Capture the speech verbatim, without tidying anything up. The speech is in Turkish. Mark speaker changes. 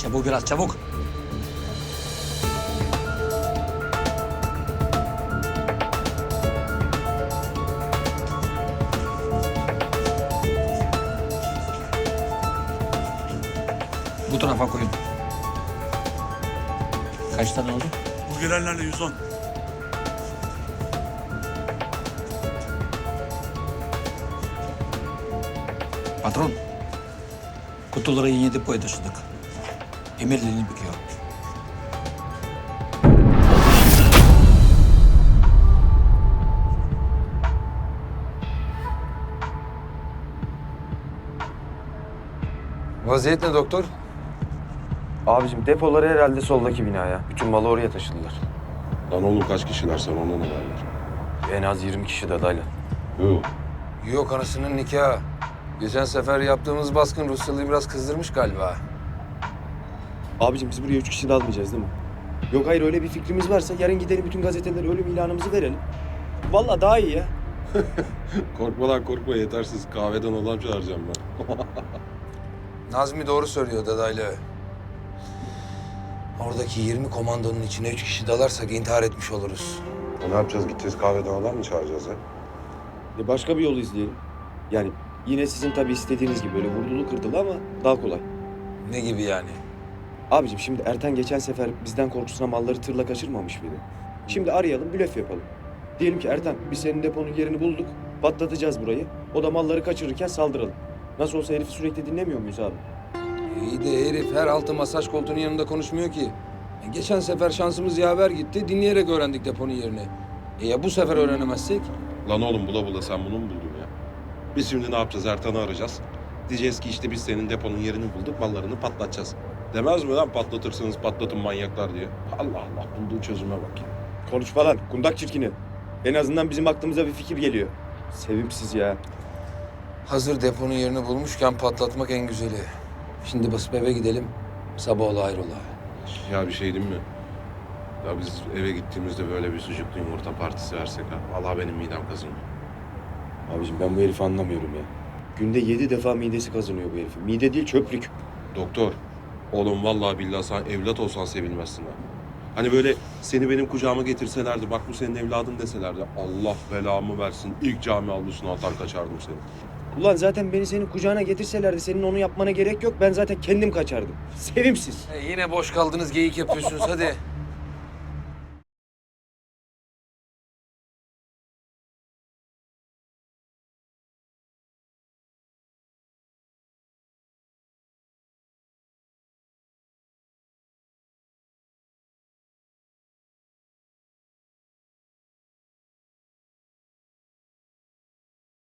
Speaker 1: Çabuk biraz çabuk. Bu tarafa koyun. Kaç tane oldu?
Speaker 2: Bu gelenlerle yüz on.
Speaker 1: Patron. Kutuları yeni depoya taşıdık. Emirliğini büküyor.
Speaker 3: Vaziyet ne doktor?
Speaker 4: Abicim depoları herhalde soldaki binaya. Bütün malı oraya taşıdılar.
Speaker 5: Lan oğlum kaç kişiler sen ona ne derler?
Speaker 4: En az yirmi kişi de dayla.
Speaker 5: Yok.
Speaker 3: Yok anasının nikahı. Geçen sefer yaptığımız baskın Rusyalı'yı biraz kızdırmış galiba.
Speaker 4: Abicim biz buraya üç kişi de almayacağız değil mi? Yok hayır öyle bir fikrimiz varsa yarın gidelim bütün gazetelere ölüm ilanımızı verelim. Vallahi daha iyi ya.
Speaker 5: Korkma lan korkma yetersiz. Kahveden adam çağıracağım ben.
Speaker 3: Nazmi doğru söylüyor dadaylı. Oradaki yirmi komandonun içine üç kişi dalarsak intihar etmiş oluruz.
Speaker 5: E ne yapacağız? Gideceğiz kahveden adam mı çağıracağız ha?
Speaker 4: E başka bir yol izleyelim. Yani yine sizin tabii istediğiniz gibi böyle vurdulu kırdılı ama daha kolay.
Speaker 3: Ne gibi yani?
Speaker 4: Abicim şimdi Ertan geçen sefer bizden korkusuna malları tırla kaçırmamış mıydı? Şimdi arayalım, blöf yapalım. Diyelim ki Ertan biz senin deponun yerini bulduk, patlatacağız burayı. O da malları kaçırırken saldıralım. Nasıl olsa herifi sürekli dinlemiyor muyuz abi?
Speaker 3: İyi de herif her altı masaj koltuğunun yanında konuşmuyor ki. E, geçen sefer şansımız yaver gitti, dinleyerek öğrendik deponun yerini. E ya bu sefer öğrenemezsek?
Speaker 5: Lan oğlum bula bula sen bunu mu buldun ya? Biz şimdi ne yapacağız? Ertan'ı arayacağız. Diyeceğiz ki işte biz senin deponun yerini bulduk, mallarını patlatacağız. Demez mi lan patlatırsınız patlatın manyaklar diye? Allah Allah bulduğu çözüme bak ya.
Speaker 4: Konuşma lan, kundak çirkini. En azından bizim aklımıza bir fikir geliyor. Sevimsiz ya.
Speaker 3: Hazır deponun yerini bulmuşken patlatmak en güzeli. Şimdi basıp eve gidelim, sabah ola hayrola.
Speaker 5: Ya bir şey diyeyim mi? Ya biz eve gittiğimizde böyle bir sucuklu yumurta partisi versek ha. Vallahi benim midem kazınıyor.
Speaker 4: Abicim ben bu herifi anlamıyorum ya. Günde yedi defa midesi kazanıyor bu herifin. Mide değil çöplük.
Speaker 5: Doktor, oğlum vallahi billahi sen evlat olsan sevilmezsin ha. Hani böyle seni benim kucağıma getirselerdi, bak bu senin evladın deselerdi. Allah belamı versin, ilk cami avlusuna atar kaçardım seni.
Speaker 4: Ulan zaten beni senin kucağına getirselerdi senin onu yapmana gerek yok. Ben zaten kendim kaçardım. Sevimsiz.
Speaker 3: E, yine boş kaldınız, geyik yapıyorsunuz hadi.